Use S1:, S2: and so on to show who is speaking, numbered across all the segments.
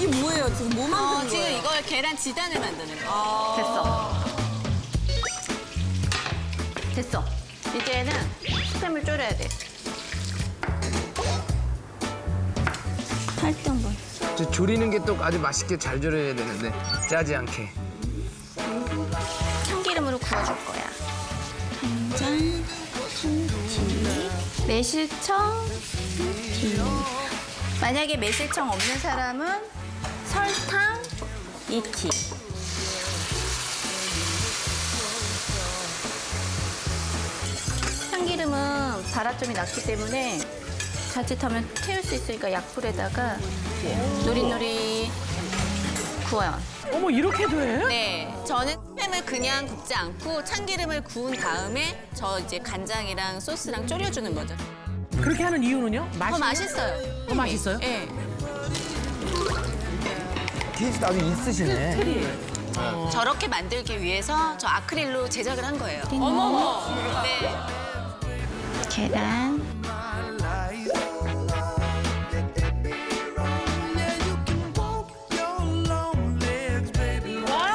S1: 뭐예요? 지금 뭐 만드는
S2: 지금
S1: 거예요?
S2: 이걸 계란 지단을 만드는 거.
S3: 됐어. 이제는 스팸을 졸여야 돼.
S1: 할때 한번.
S4: 저 조리는 게 또 아주 맛있게 잘 졸여야 되는데 짜지 않게.
S3: 참기름으로 구워줄 거야.
S1: 간장,
S3: 매실청. 만약에 매실청 없는 사람은 설탕 2티. 참기름은 발화점이 낮기 때문에 자칫하면 태울 수 있으니까 약불에다가 노릇노릇 구워요.
S5: 어머 이렇게도 해?
S2: 네, 저는 스팸을 그냥 굽지 않고 참기름을 구운 다음에 저 이제 간장이랑 소스랑 졸여주는 거죠.
S5: 그렇게 하는 이유는요?
S2: 더 맛있어요.
S5: 더 맛있어요?
S2: 네.
S4: 기술 아주 있으시네.
S2: 저렇게 만들기 위해서 저 아크릴로 제작을 한 거예요. 어머머. 네.
S3: 계란.
S5: 와!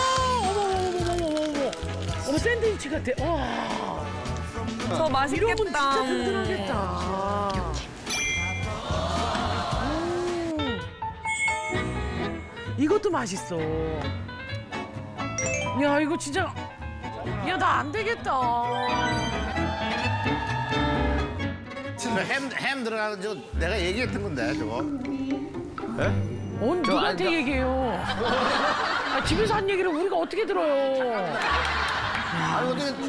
S5: 어머. 어머 샌드위치 같아. 와.
S1: 더 맛있겠다.
S5: 이러면 진짜 든든하겠다. 이것도 맛있어. 야 이거 진짜 야 나 안 되겠다.
S6: 햄 들어가는 저 내가 얘기했던 건데 저거.
S5: 누구한테 얘기해요? 집에서 한 얘기를 우리가 어떻게 들어요?
S6: 아 이거